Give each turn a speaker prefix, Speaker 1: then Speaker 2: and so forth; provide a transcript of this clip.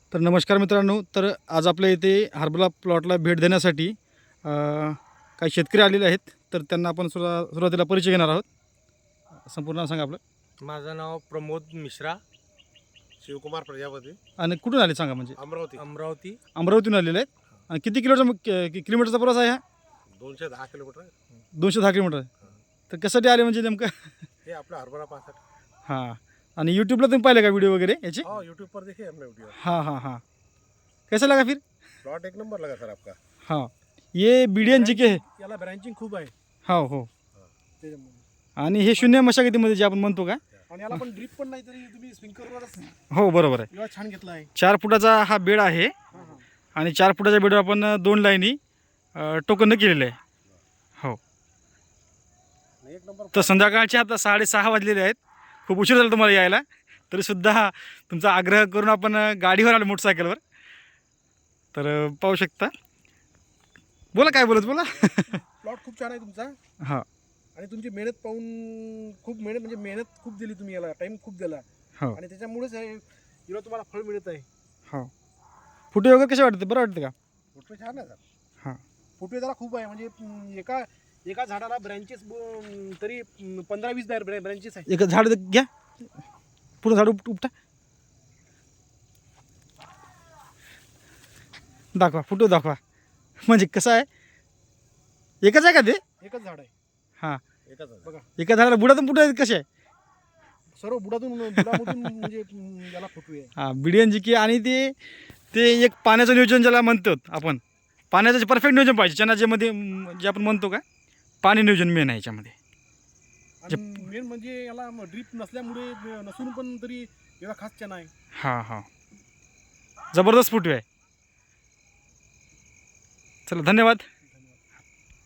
Speaker 1: तर नमस्कार मित्रांनो. तर आज आपल्या इथे हरभरा प्लॉटला भेट देण्यासाठी काही शेतकरी आलेले आहेत. तर त्यांना आपण सुरुवातीला परिचय घेणार आहोत. संपूर्ण नाव सांगा आपलं.
Speaker 2: माझं नाव प्रमोद मिश्रा,
Speaker 3: शिवकुमार प्रजापती,
Speaker 1: आणि कुठून आले सांगा. म्हणजे
Speaker 3: अमरावती.
Speaker 1: अमरावतीतून आलेले आहेत. आणि किती किलोमीटरचा प्रवास आहे हा?
Speaker 3: 210 किलोमीटर.
Speaker 1: 210 किलोमीटर आहे. तर कशासाठी आले म्हणजे नेमकं?
Speaker 3: हे आपला हरभरा पाहतात.
Speaker 1: हां. आणि यूट्यूबला तुम्ही पाहिले का व्हिडिओ वगैरे याचे?
Speaker 3: हाँ, यूट्यूब पर देखिए हमने वीडियो.
Speaker 1: हाँ हाँ हाँ. कैसा लगा फिर?
Speaker 3: प्लॉट एक नंबर लगा सर आपका.
Speaker 1: हाँ, ये BDNGK आहे.
Speaker 2: याला ब्रँचिंग खूप आहे
Speaker 1: हो हो.
Speaker 2: त्याच्यामुळे.
Speaker 1: आणि हे शून्य मशागतीमध्ये जे आपण म्हणतो का?
Speaker 2: आणि याला पण ड्रिप पण नाही तरी तुम्ही स्प्रिंकलरवरच
Speaker 1: हो बरोबर आहे.
Speaker 2: एवढा छान घेतला आहे.
Speaker 1: 4 फुटाचा हा बेड आहे.
Speaker 2: हां हां.
Speaker 1: आणि 4 फुटाच्या बेडवर आपण 2 लाईनी टोकन केलेले आहे. हो.
Speaker 3: एक नंबर.
Speaker 1: तर संध्याकाळचे आता 6:30 वाजलेले आहेत. खूप उशीर झाला तुम्हाला यायला. तरीसुद्धा तुमचा आग्रह करून आपण गाडीवर आलो, मोटरसायकलवर. तर पाहू शकता. बोला, काय बोलत बोला.
Speaker 2: प्लॉट खूप छान आहे तुमचा.
Speaker 1: हां.
Speaker 2: आणि तुमची मेहनत पाहून खूप मेहनत खूप दिली तुम्ही याला, टाइम खूप दिला.
Speaker 1: हो
Speaker 2: आणि त्याच्यामुळेच हिरो तुम्हाला फळ मिळत आहे.
Speaker 1: हो. फुटे वगैरे कसे वाटते? बरं वाटते का?
Speaker 3: फोटो छान आहे सर.
Speaker 1: हां.
Speaker 2: फुटवे त्याला खूप आहे. म्हणजे एका झाडाला ब्रँचेस तरी 15-20 ब्रँचेस आहे.
Speaker 1: एक झाड घ्या, पूर्ण झाड उपटा, दाखवा, फुटो दाखवा. म्हणजे कसं आहे, एकच आहे का ते?
Speaker 2: एकच झाड आहे.
Speaker 1: हां.
Speaker 3: एकच आहे.
Speaker 2: बघा,
Speaker 1: एका झाडाला बुडातून फुटो आहेत कसे आहे?
Speaker 2: सर्व बुडामधून म्हणजे याला फुटवे आहे.
Speaker 1: हां, BDNGK. आणि ते एक पाण्याचं नियोजन ज्याला म्हणतो आपण, पाण्याचं परफेक्ट नियोजन पाहिजे. चनाच्यामध्ये जे आपण म्हणतो का, पाणी नियोजन मेन आहे याच्यामध्ये.
Speaker 2: आणि मेन म्हणजे याला ड्रीप नसल्यामुळे नसून पण तरी एवढा खास चना आहे.
Speaker 1: हां हां, जबरदस्त फुटवे आहे. चला, धन्यवाद.